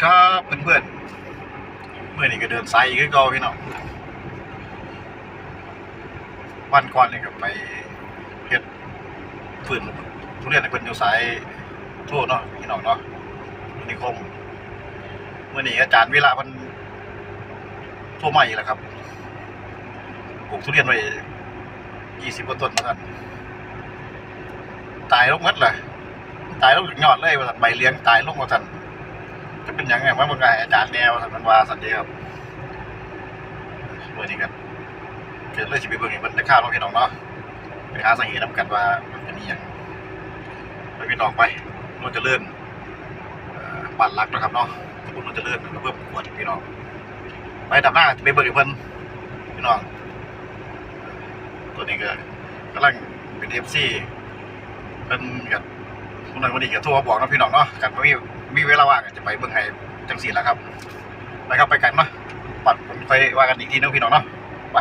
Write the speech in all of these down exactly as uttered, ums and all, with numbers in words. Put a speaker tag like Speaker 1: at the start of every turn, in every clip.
Speaker 1: ครับเพื่อนๆเมื่อนี้ก็เดินไซค์ขึ้นก็พี่น้องวันก่อนเนี่ยก็ไปเฮ็ดฝืนทุเรียนในเพิ่นอยู่สายทั่วเนาะพี่น้องเนาะนิคมเมื่อนี้อาจารย์วิระเพิ่นโทรมาอีกแล้วครับปลูกทุเรียนไว้ยี่สิบกว่าต้นเหมือนกันตายลงหมดเลยตายลงถึงยอดเลยว่าซั่นใบเลี้ยงตายลงว่าซั่นจะเป็นยังไงว่าเมื่อไงอาจารย์แนวท่านมันว่าสันเดีครับเมื่อนี้กันเกิดเรื่องชีวิตเบื้องนี้มันได้ข้าวน้องพี่น้องเนาะไปหาสาเหตุนำกันว่ามันเป็นยังไปพี่น้องไปนนจะเลื่อนบัตรลักนะครับเนาะสมมตินนจะเลื่อนเพิ่มขวดพี่น้องไปดับหน้าไปเบิร์กเพิ่นพี่น้องตัวนี้ก็กำลังเป็นเอฟซีเป็นกับคนนั้นวันนี้ก็โทรมาบอกนะพี่น้องเนาะกันว่ามีมีเวลาว่างจะไปเบื้องไห้จังสีแล้วครับไปครับไปกันเนาะปัดผมไปว่ากันอีกทีนึงพี่น้องเนาะไป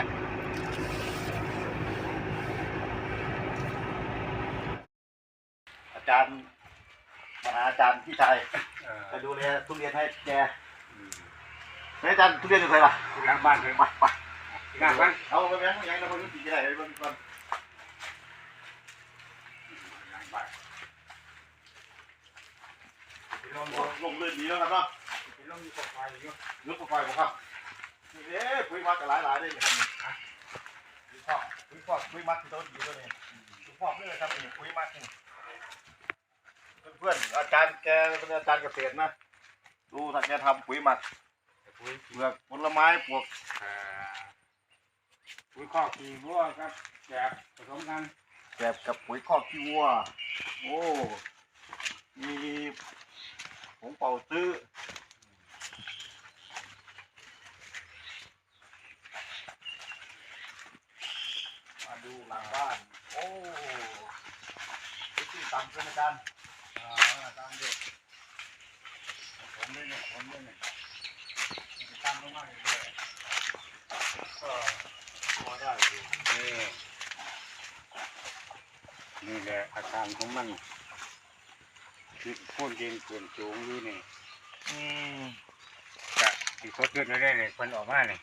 Speaker 1: อาจารย์มาหาอาจารย์พี่ชายไปดูแลทุเรียนให้แกอาจารย์ทุเรียนอยู่ไหนล่ะ
Speaker 2: หลังบ้านเลย
Speaker 1: ไปไป
Speaker 2: หลังบ้าน
Speaker 1: เอาไปแบงค์ยังเราไปดูสีอะไรไปเบื้องก่อน
Speaker 2: หลังบ้าน
Speaker 1: ลงลงเลื่อนดีแล้วครับเนาะ
Speaker 2: ลงอยู่กับไฟอยู่
Speaker 1: ยุบกับไฟผมครับนี่เอ๊ะปุ๋ยมัดกับหลายหลายได้ยังไงปุ๋ยพอกปุ๋ยพอกปุ๋ยมัดที่ต้นดีตัวนี้ปุ๋ยพอกนี่เลยครับนี่ปุ๋ยมัดนี่เพื่อนอาจารย์แกเป็นอาจารย์เกษตรนะดูถ้าแกทำปุ๋ยหมักปุ๋ยเปลือกผลไม้ปลวก
Speaker 2: ปุ๋ยข้อขี้วัวครับแบบผสมกัน
Speaker 1: แบบกับปุ๋ยคอกขี้วัวโอ้มีผงเป่าซื้อมาดูหลังบ้านโอ้ที่ต่ำเป็นอาจารย์อ่าตามเด็กผมด้วยเนี่ยผมด้วยเนี่ยตั้งลงมาเลยก็พอได้อยู่
Speaker 2: นี่นี่แหละอาการของมันที่พ่นดินเกินสูงอยู่นี่
Speaker 1: อืม
Speaker 2: จะที่เขาขึ้นได้เลยคนออกมาเลย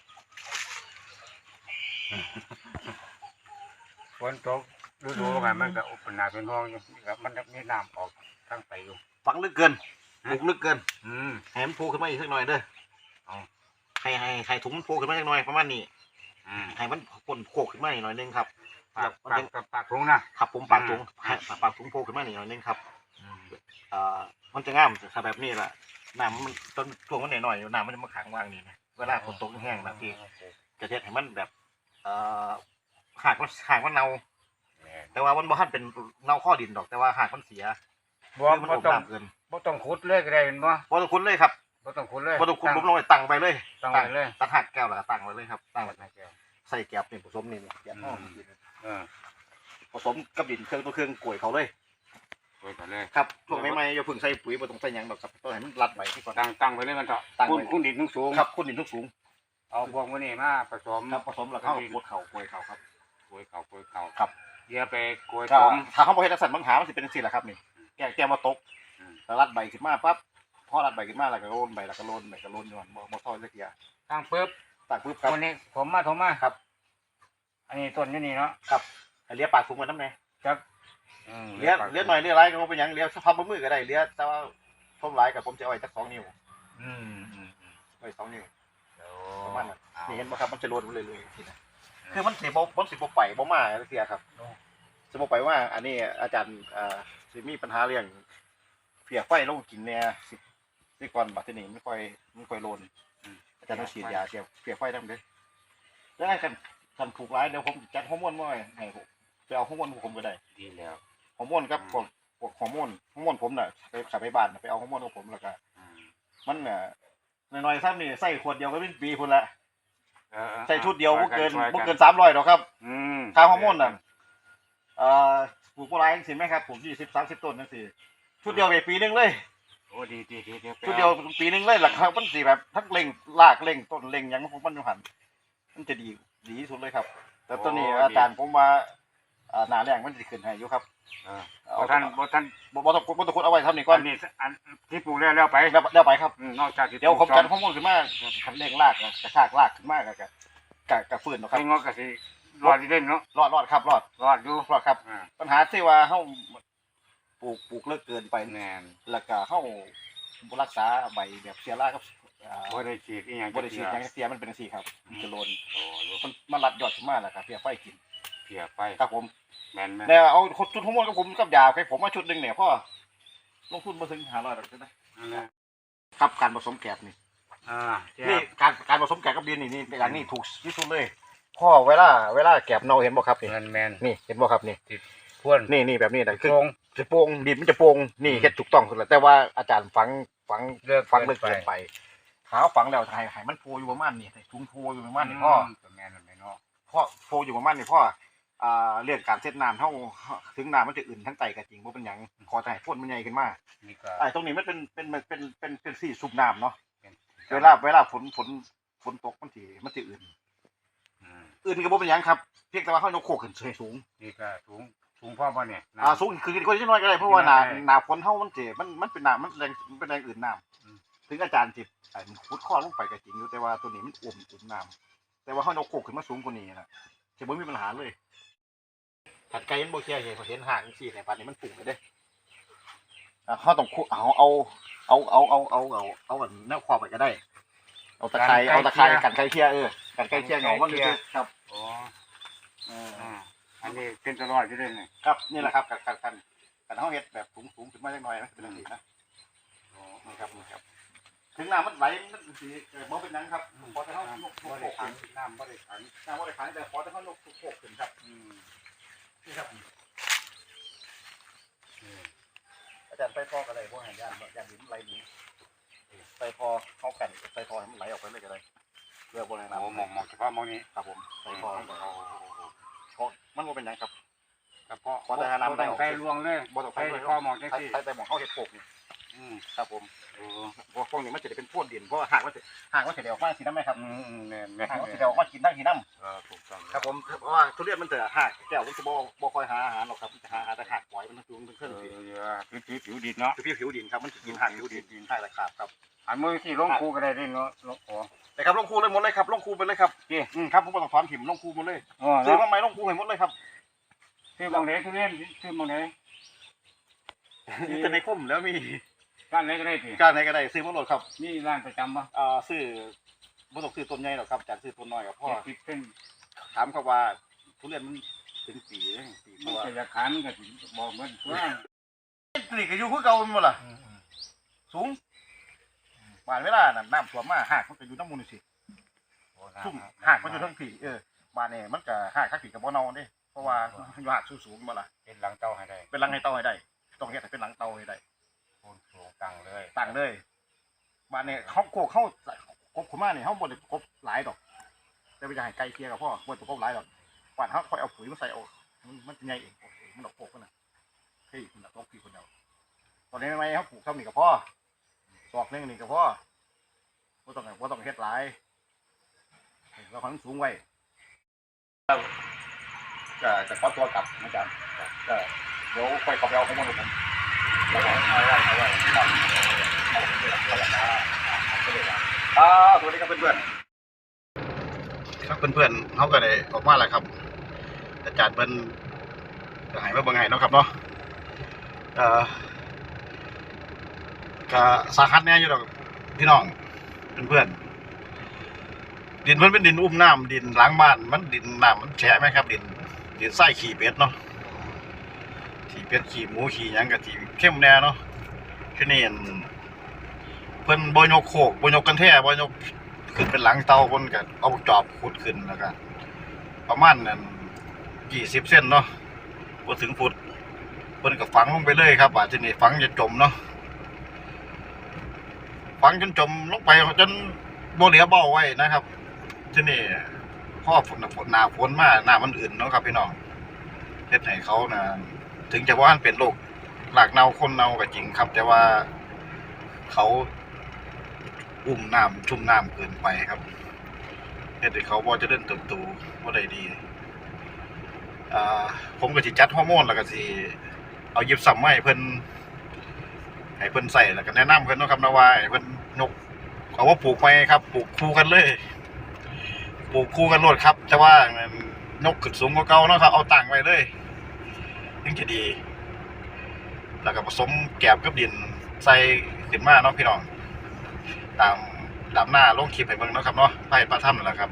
Speaker 2: ฝนตกฤดูกาลมันก็อุปนาเป็นห้องอยู่กับมันมีน้ำออกทั้งไปอยู่
Speaker 1: ฝังลึกเกินปลูกลึกเกิน
Speaker 2: อืม
Speaker 1: ให้มันโผล่ขึ้นมาอีกสักหน่อยเด้อให้ให้ให้ถุงมันโผล่ขึ้นมาสักหน่อยประมาณนี้ให้มันพ่นโผล่ขึ้นมาหน่อยนึงครับ
Speaker 2: ปากปากปากถุงนะครับ
Speaker 1: ผมปากถุงปากถุงโผล่ขึ้นมาหน่อยนึงครับอ่ามันจะง่ามถ้าแบบนี้แหละน้ำมันต้นช่วงมันหน่อยๆน้ำมันจะมาขังว่างนี่นะเวลาฝนตกแห้งนะพี่จะเทให้มันแบบเอ่อหากมันหากมันเน่าแต่ว่ามันบ่ทันเป็นเน่าข้อดินดอกแต่ว่าหากมันเสีย
Speaker 2: บ่บ่ต้องเกินบ่ต้องขุดเลยก็ได้บ่
Speaker 1: บ่ต้องขุดเลยครับ
Speaker 2: บ่ต้องขุดเลย
Speaker 1: บ่ต้องขุดลงไปตั้งไปเลย
Speaker 2: ตั้งไว้เลย
Speaker 1: ตัดหักแก้วแล้วก็ตั้งไว้เลยครับตั้งไว้ในแก้วใส่แก้วนี่ผสมนี่แก้วห้องผสมกับดินเครื่องตัวเครื่องกล้วยเขาเลย
Speaker 2: กล้วยเขาเลย
Speaker 1: ครับช่วงใหม่ๆอย่าเพิ่งใส่ปุ๋ยบ่ต้องใส่หยังดอกครับต้องให้มันรัดไว้ที่ก่อน
Speaker 2: ตั้งตั้งไว้เลยมันเถอะตั้งไว้คุณดินสูง
Speaker 1: ครับคุณดินสูง
Speaker 2: เอาพวกพวกนี้มาผสม
Speaker 1: ครับผสมแล้วเข้ากดเข่ากล้วยเขาครับ
Speaker 2: กล้วยเขากล้วยเขา
Speaker 1: ครับ
Speaker 2: เดี๋ยวไปกล้วย
Speaker 1: ผมถ้าเขาบ่เฮ็ดจังซั่นปัญหามันสิเป็นจังซี่แหละครับนี่แก้แก้มาตกแล้วรัดใบขึ้นมาปั๊บพอรัดใบขึ้นมาแล้วก็โรนใบแล้วก็โรนใบก็โรนอยู่หั่นบ่บ่ทอดจักเที่ย
Speaker 2: ตั้งปึ๊บ
Speaker 1: ตั้งปึ๊บครับ
Speaker 2: วันนี้ผมมาผมมา
Speaker 1: ครับ
Speaker 2: อันนี้ต้นอยู่นี่เนาะ
Speaker 1: ครับให้เลี้ยปากถุงมันนำแน่
Speaker 2: จัก
Speaker 1: เลี้ยเลี้ยหน่อยเลี้ยหลายก็บ่เป็นหยังเลี้ยเฉพาะมือก็ได้เลี้ยแต่ว่าท่มหลายก็ผมจะเอาไว้จักสองนิ้ว
Speaker 2: อืม
Speaker 1: ๆไว้สองนิ้วประมาณนั้นนี่เห็นบ่ครับมันจะโรนเรื่อยๆทีนะคือมันสิบ่มันสิบ่ไปบ่มาจักเที่ยครับสิบ่ไปว่าอันนี้อาจารย์อ่าสิมีปัญหาเรื่องเพียไฟลงกินเนี่ยสิสิก่อนบัดนี้ไม่ค่อยไม่ค่อยโลนอาจารย์ต้องฉีดยาเสียเพียไฟนำเด้อแล้วกันกันถูกร้ายเดี๋ยวผมจัดฮอร์โมนมาให้ผมไปเอาฮอร์โมนผมก็ได้
Speaker 2: ดีแล้ว
Speaker 1: ฮอร์โมนครับพวกพวกฮอร์โมนฮอร์โมนผมน่ะไปขับไปบ้านไปเอาฮอร์โมนของผมแล้วก็มันน่ะน้อยๆซ้ำนี่ใส่ขวดเดียวก็เป็นปีพุ่นละใส่ชุดเดียวบ่เกินบ่เกินสามร้อยดอกครับค่าฮอร์โมนน่ะเอ่อปลูกบ่หลายจังซี่แม่ครับผมยี่สิบ สามสิบต้นจังซี่ชุดเดียวไปปีนึงเลย
Speaker 2: โอ้ดีๆๆ
Speaker 1: ชุดเดียวปีนึงเลยล่ะครับมันสิแบบทั้งเล็งรากเล็งต้นเล็งหยังของมันอยู่หั่นมันจะดีดีที่สุดเลยครับแต่ตอนนี้อาจารย์ผมว่าอ่าหน้าแรงมันสิขึ้นให้อยู่ครับ
Speaker 2: อ่า
Speaker 1: เอา
Speaker 2: บ่ท่านบ่ท่าน
Speaker 1: บ่บ่ต้องบ่ต้องขุดเอาไว้ทำนี่ก่อ
Speaker 2: อั
Speaker 1: น
Speaker 2: นนี้อันที่ปลูกแล้วแล้วไป
Speaker 1: แล้วแล้วไปครับ
Speaker 2: อืมนอกจากที่
Speaker 1: เดี๋ยวผม
Speaker 2: ปลู
Speaker 1: จัด
Speaker 2: ก
Speaker 1: ข้อมูลขึ้นมาคันเร่งรากนะกระชากรากขึ้นมาก็ก็ก็ก็ฟื้นเนาะค
Speaker 2: ไอ้
Speaker 1: รับ
Speaker 2: งอกก็สิรอดอยู่เด่นเนาะ
Speaker 1: รอดรอดครับรอด
Speaker 2: รอดอยู่
Speaker 1: รอดครับ
Speaker 2: อ่า
Speaker 1: ปัญหาที่ว่าเฮาปลูกปลูกเลิกเกินไป
Speaker 2: แม่น
Speaker 1: แล้วก็เฮาบ่รักษาใบแบบเสียรากับอ่า
Speaker 2: บ่ได้ฉีดอีหยัง
Speaker 1: บ่ได้ฉีดหยังเสียมันเป็นจังซี่ครับมันจะโลน
Speaker 2: โอ้ลูก
Speaker 1: มันมันรัดยอดขึ้นมาแล้วครับเพียไฟกิน
Speaker 2: เพียไป
Speaker 1: ครับผม
Speaker 2: แม่นแม่น
Speaker 1: แล้วเอาชุดฮอร์โมนกับผมกับยาให้ผมมาชุดหนึงเนี่ยพ่อลงทุนบ่ถึงห้าร้อยดอกนะ
Speaker 2: นั่นแหละ
Speaker 1: ครับการผสมแกบนี่
Speaker 2: อ่าเทีย
Speaker 1: นี่
Speaker 2: บ
Speaker 1: การการผสมแกบกับดินนี่นี่อย่างนี้ถูกที่สุดเลยพ่อเวลาเวลาแกบเน่าเห็นบ่ครับนี่
Speaker 2: แม่นแม่น
Speaker 1: นี่เห็นบ่ครับนี่
Speaker 2: พ่วน
Speaker 1: นี่นี่แบบนี้นะคือ
Speaker 2: โรง
Speaker 1: จะโป่งดินมันจะโป่งนี่เฮ็ดถูกต้องสุดแล้วแต่ว่าอาจารย์ฝังฝัง
Speaker 2: เลือก
Speaker 1: ฝังเลิก
Speaker 2: เกิ
Speaker 1: เกิ
Speaker 2: น
Speaker 1: น
Speaker 2: ไป
Speaker 1: ไปหาฝังแล้วให้ให้มันโพอยู่ประมาณนี้ให้ถุงโพอยู่ประมาณนี้พ่อ
Speaker 2: แม่นแม่นเนาะ
Speaker 1: พ่อโพอยู่ประมาณนี้พ่ออ่าเรื่องการเซตน้ำเฮาถึงน้ำมันจะอื่นทั้งไตก็จริงบ่เป็นหยังขอแต่ให้พ่นมันใหญ่ขึ้นมา
Speaker 2: นี่ก็
Speaker 1: ไอ้ตรงนี้มันเป็นเป็นเป็นเป็นเป็นสี่สูบน้ำเนาะ
Speaker 2: เป็น
Speaker 1: เวลาเวลาฝนฝนฝนตกมันสิมันสิอื่น
Speaker 2: อืม
Speaker 1: อื่นก็บ่เป็นหยังครับเพียงแต่ว่าเฮายกโคกขึ้นให้สูง
Speaker 2: นี่ก็สูงสูงพ่อบ่เนี่ยน้ำ
Speaker 1: อ่าสูงคือคนที่น้อยก็ได้เพราะว่าหนา
Speaker 2: ได้
Speaker 1: หนาฝนเฮามันสิมันมันเป็นน้ำมันแรงมันเป็นแรงอื่นน้ำ
Speaker 2: อืม
Speaker 1: ถึงอาจารย์สิไอ้ขุดข้อลงไปก็จริงอยู่แต่ว่าตัวนี้มันอุ่มอุ่มน้ำแต่ว่าเฮายกโคกขึ้นมาสูงกว่านี้นะสิบ่มีปัญหาเลยถัดไกลมันบ่แค่เห็นเห็นห่างจังซี่เนี่ยป่านนี้มันปุ่งเลยเด้อ่าเฮาต้องขุดเอาเอาเอาเอาเอาเอาเอาเอาอันแนวครอบไปก็ได้ เอาตะไคร้เอาตะไคร้กันไกลเคียเออกันไกลเคียเหงามันคือครับ
Speaker 2: อ๋อ
Speaker 1: เออ
Speaker 2: อ่าอันนี้เป็นตลอดอยู่เด่นนี่
Speaker 1: ครับนี่แหละครับกันกันกันกันเฮาเฮ็ดแบบสูงสูงขึ้นมาจักหน่อยนะเป็นจังซี่นะ
Speaker 2: อ๋อ
Speaker 1: นี่ครับนี่ครับถึงน้ำมันไหลมันสิเอ่อบ่เป็นหยังครับพอแต่เฮา
Speaker 2: น้ำ
Speaker 1: ยกโค
Speaker 2: บ่
Speaker 1: ก
Speaker 2: ได้ขั
Speaker 1: ขึ้
Speaker 2: ง
Speaker 1: น
Speaker 2: น้ำบ่ได้ขัง
Speaker 1: น้ำบ่ได้ขังแต่พอแต่เฮายกโคกขึ้นครับ
Speaker 2: อืม
Speaker 1: นี่ครับ
Speaker 2: นี่
Speaker 1: อาจารย์ไปพอก็ได้บ่ให้ย่านย่านดินไหลหนีไปพอเฮากันไปพอให้มันไหลออกไปเลยก็ได้เพื่อบ่ให้น้ำ
Speaker 2: โอ้มองมองเฉพาะมองนี้
Speaker 1: ครับผมไปพอ
Speaker 2: โอ้
Speaker 1: เพราะมันบ่เป็นหยังครับ
Speaker 2: เฉพาะ
Speaker 1: ขอแต่หาน้ำได้
Speaker 2: บ่ต้องใส่ลวงเลย
Speaker 1: บ่ต้อง
Speaker 2: ใส่
Speaker 1: ไป
Speaker 2: ข้อมองจัง
Speaker 1: ใช้
Speaker 2: ซี่
Speaker 1: ใช้แต่หมองเฮาเฮ็ดโคกนี่
Speaker 2: อืม
Speaker 1: ครับผม
Speaker 2: โอ้
Speaker 1: พวกพวกนี้มันจะได้เป็นพวกดินเพราะว่าหากมันจะหากมันจะเดี๋ยวออกมาสีน้ำไหมครับ
Speaker 2: อืมอืมแม่นแม่น
Speaker 1: หากมัน
Speaker 2: แม่
Speaker 1: จะ
Speaker 2: น
Speaker 1: เดี๋ยวออกมากินทั้งสีน้
Speaker 2: เออถูกต้อง
Speaker 1: ำครับผมเพราะว่าทุเรียนมันจะหากแก้วมันจะบ่บ่คอยหาอาหารหรอกครับมันจะหาแต่หากปล่อยมันทั้งตัวทั้ง
Speaker 2: เอ
Speaker 1: เครื่อง
Speaker 2: อ
Speaker 1: สิ
Speaker 2: เดี๋ยวผิวผิวผิวดินเนาะ
Speaker 1: คือพี่ผิวดินครับมันจะกินหากผิวดินดินหากตะขาบครับ
Speaker 2: อันมือที่ลงคูก็ได้ดิเนาะลงโอ้
Speaker 1: แต่ครับลงคูเลยหมดเลยครับลงคูไปเลยครับ
Speaker 2: พี่
Speaker 1: อืมครับผมบ่ต้องถอนถิ่มลงคูหมดเลย
Speaker 2: อ๋อ
Speaker 1: ซื้อ
Speaker 2: เนาะ
Speaker 1: มาใหม่ลงคูให้หมดเลยครับ
Speaker 2: ซื้อบางไหนทุเรียนซื้อบางไหน
Speaker 1: จะในคุ้มแล้วมี
Speaker 2: ร้านไหนก็ได้พี่
Speaker 1: การไหนก็ได้ซื้อมาโหลดครับ
Speaker 2: นี่ร้านประจำปะ
Speaker 1: อ่าซื้อบ่ต้องซื้อต้นใหญ่หรอกครับจากซื้อต้นน้อยกับพ่อ
Speaker 2: เจ็ดสิบเส้น
Speaker 1: ถามเขาว่าทุเรียนมันถึงปีเลยปีเพ
Speaker 2: มัน
Speaker 1: ราะว่า
Speaker 2: จะจะขันก็สิบอกเหมือนตัว
Speaker 1: นี่ก็อยู่คือเก่าหมดล่ะ สูงบานเวลาน่ะน้ำท่วมมาหากมันก็อยู่น้ำมูลนี่สิซุ่มหากมันอยู่ทั้งผีเออบานเนี่ยมันก็หากทักผีกับบ่เนาเด้เพราะว่าอยู่หากสูงๆบ่ล่ะ
Speaker 2: เป็นหลังเต้าให้ได้
Speaker 1: เป็นหลังให้เตาให้ได้ต้องเฮ็ดให้เป็นหลังเตาให้ได้
Speaker 2: โคนสูงตั้งเลย
Speaker 1: ตั้งเลยบานเนี่ยเขาโกกเขากบขึ้นมาเนี่ยเขาบ่ได้กบหลายดอกแต่ไปจะให้ไก่เคียกับพ่อบ่ได้กบหลายดอกกวาดเขาค่อยเอาปุ๋ยมาใส่เอามันมันจะใหญ่เองโอเคมันดอกโกกมันน่ะเฮ้ยมันดอกโกกพี่คนเดียวตอนนี้ทำไมเขาปลูกเท่านี้กับพ่อดอกหนึงนี่กับพ่อบ่ต้องบ่ต้องเฮ็ดหลายเราความสูงไว้ก็จะขอตัวกลับอาจารย์ก็เดี๋ยวค่อยกลับไปเอาข้อมูลของผมแล้วก็เอาไว้เอาไว้ครับเอาไปเลยเอาไปเลยเอาไปเลยอ่าสวัสดีครับเพื่อนๆครับเพื่อนๆเขาก็ได้ออกมาแล้วครับ อาจารย์เป็นจะหายมาเบิ่งไงเนาะครับเนาะเอ่อก็สาหัสแน่อยู่ดอกพี่น้องเพื่อนๆดินมันเป็นดินอุ้มน้ำดินล้างบ้านมันดินน้ำมันแฉะไหมครับดินดินไส้ขี่เป็ดเนาะขี่เป็ดขี่หมูขี่หยังกับขี่เข้มแน่เนาะที่นี่เพิ่นบ่ยกโคกบ่ยกกันแท้บ่ยกขึ้นเป็นหลังเตาเพิ่นก็เอาจอบขุดขึ้นแล้วก็ประมาณนั้นยี่สิบเซนเนาะบ่ถึงฟุตเพิ่นก็ฝังลงไปเลยครับว่าที่นี่ฝังจะจมเนาะฝังจนจมลงไปจนบ่เหลือเบ้าไว้นะครับที่นี่พ่อฝนฝนหนาฝนมาหน้ามันอื่นเนาะครับพี่น้องเฮ็ดให้เขานะถึงจะว่ามันเป็นโรคหลากเน่าคนเน่าก็จริงครับ แต่ว่าเขาอุ้มน้ำชุ่มน้ำเกินไปครับเฮ็ดให้เขาบ่เจริญเติบโตบ่ได้ดีอ่าผมก็สิจัดฮอร์โมนแล้วก็สิเอาหยิบซ้ำมาให้เพิ่นให้เพิ่นใส่แล้วก็แนะนำเพิ่นเนาะครับนะว่าให้เพิ่นนกเอาว่าปลูกไปครับปลูกคู่กันเลยปลูกคู่กันโลดครับแต่ว่านกขึ้นสูงกว่าเก่าเนาะครับเอาตั้งไว้เลยถึงจะดีแล้วก็ผสมแกบกับดินใส่ขึ้นมาเนาะพี่น้องตามตามหน้าลงคลิปให้เบิ่งเนาะครับเนาะไปปลาถ้ำนั่นแหละครับ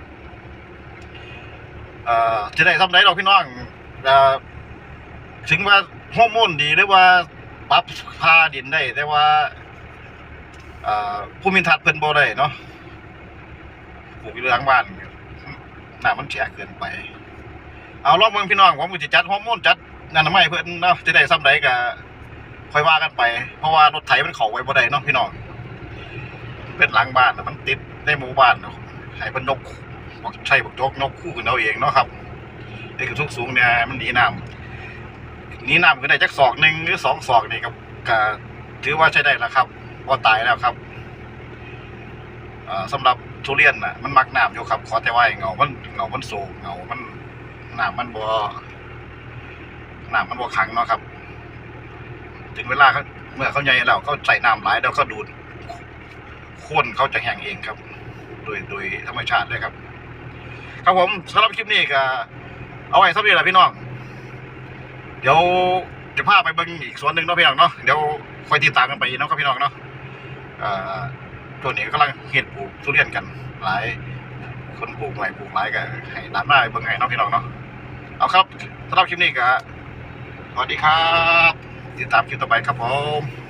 Speaker 1: เอ่อจะได้ทำได้เราพี่น้องเอ่อถึงว่าฮอร์โมนดีหรือว่าปรับพาดินได้แต่ว่าเอ่อภูมิทัศน์เพิ่นบ่ได้เนาะปลูกอยู่หลังบ้านน้ำมันแฉะเกินไปเอาลองเบิ่งพี่น้องผมก็สิจัดฮอร์โมนจัดนั่นน่ะไม่เพิ่นเนาะจะได้ซ้ำใดก็ค่อยว่ากันไปเพราะว่ารถไถมันเข้าไว้บ่ได้เนาะพี่น้องเป็นหลังบ้านมันติดในหมู่บ้านเนาะให้เพิ่นนกบอกใช่บอกจกนกคู่กันเอาเองเนาะครับไอ้กระทุกสูงเนี่ยมันหนีน้ำหนีน้ำก็ได้จักศอกหนึ่งหรือสองศอกนี่ครับก็ถือว่าใช้ได้แล้วครับพอตายแล้วครับสำหรับทุเรียนน่ะมันมักน้ำอยู่ครับขอแต่ว่าเงามันเงามันสูงเงามันน้ำมันบ่น้ำมันบ่ขังเนาะครับถึงเวลาเขาเมื่อเขาใหญ่แล้วเขาใส่น้ำหลายแล้วเขาดูดข้นเขาจะแห้งเองครับโดยโดยธรรมชาติเลยครับครับผมสำหรับคลิปนี้ก็เอาไว้สักนิดแหละพี่น้องเดี๋ยวจะพาไปเบิ่งอีกส่วนหนึ่งเนาะพี่น้องเนาะเดี๋ยวคอยติดตามกันไปเนาะครับพี่น้องเนาะอ่าตัวนี้กำลังเฮ็ดปลูกทุเรียนกันหลายคนปลูกหลายปลูกหลายก็ให้ตามหน้าเบิ่งให้เนาะพี่น้องเนาะเอาครับสำหรับคลิปนี้ก็สวัสดีครับติดตามคลิปต่อไปครับผม